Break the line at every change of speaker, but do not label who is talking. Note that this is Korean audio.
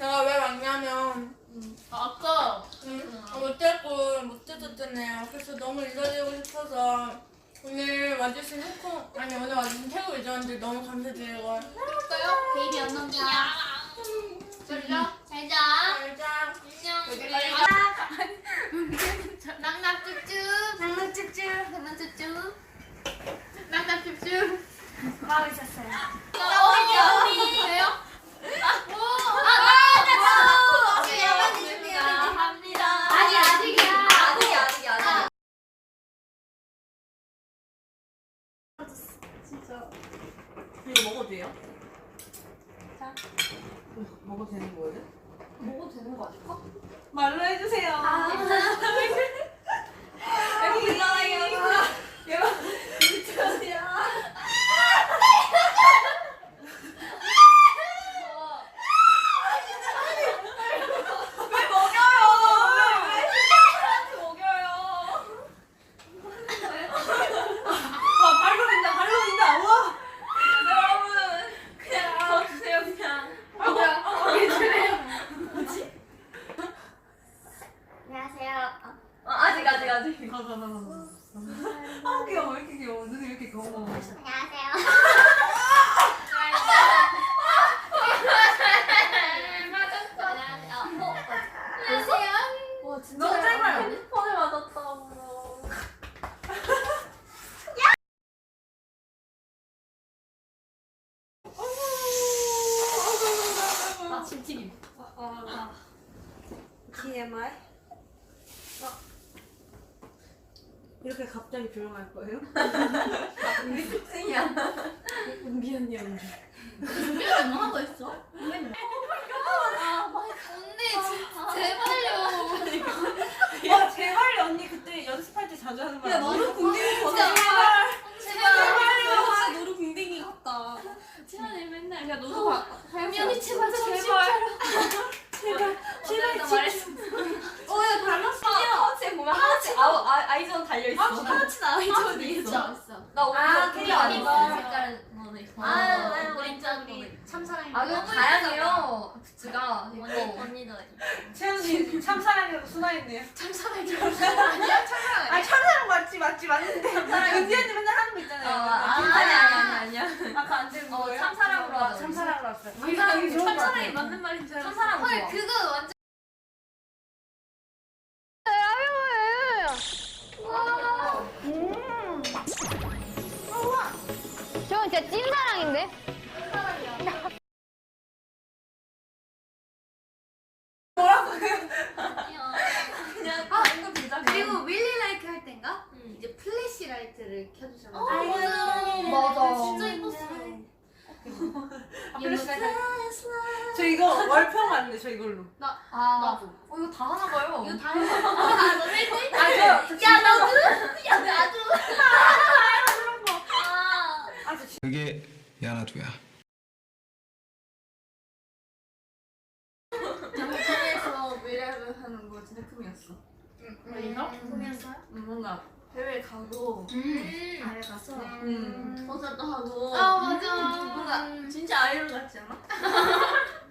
제가 왜 왔냐면
아까
못 뜯었잖아요. 그래서 너무 인사드리고 싶어서 오늘 와주신 오늘 와주신 태국 유저분들 너무 감사드리고
할까요? 베이비 안녕이야. 졸려? 잘자.
알자.
안녕. 낙낙쭈쭈.
장난찍찍
낙낙쭈쭈. 낙낙쭈쭈.
마으셨어요.
언니. 왜요?
이거 먹어도 돼요? 자, 먹어도 되는 거예요?
먹어도 되는 거 아닐까?
말로 해주세요. 여기 있어요. 여러분, 미쳤어요. 왜 먹여요? 왜 신랑한테 먹여요? 와, 발로 민다. 우와. 여러분, 그냥 저 주세요, 그냥. 주세요.
안녕하세요.
아직. 가. 귀여워. 왜 이렇게 귀여워? 눈이 왜 이렇게 귀여워?
안녕하세요. 와 진짜
너 제발.
핸드폰에 맞았다고. 아 침튀김.
TMI? 이렇게 갑자기 조용할 거예요? 우리 특징이야. 은비 언니.
준비가 뭐 하고 있어? 언니 진짜 제발요.
와, 제발요. 언니 그때 연습할 때 자주 하는 말. 야, 너는 궁뎅이
진짜.
제발요.
진짜
너도 궁뎅이 같다.
채연이 맨날
야, 너도 봐.
언니 제발
제발
나 말했어.
야, 달랐어.
하나씩 보면 하나씩 아이전 달려있어.
하나치 나이전이 있어.
나 오늘
캐리어
캐리어
아니고.
아니고.
색깔 뭐네 있고.
우리
우리 참사랑이.
너무 다양해요. 굿즈가 있고.
언니도
채연이 참사랑이라고 순화했네요.
참사랑이. 아니야 참사랑.
아, 참사랑 맞는데. 은비 언니 맨날 하는 거 있잖아요.
아니야.
아까 안 되는 거예요?
참사랑으로 하자.
참사랑으로 왔어요.
참사랑이
좋은 거
참사랑이
같아요.
맞는 말인 줄 알았어.
참사랑
헐
좋아.
그거 완전.
저건 진짜 찐사랑인데?
그냥 방금 비자.
그리고 윌리 라이트 할 땐가? 이제 플래시 라이트를 켜주잖아.
맞아.
진짜 예뻤어.
저 이거 월평 왔는데 저 이걸로.
나도.
이거 다 하나 봐요.
이거 다 했어. 너 헬스?
야,
나도. 야 나도.
그게 야나두야.
장소에서 미래를 하는 거 진짜 꿈이었어.
꿈이었어요?
뭔가 해외 가고
아래 가서.
콘서트 하고
아 맞아.
뭔가 진짜 아이돌 같지 않아?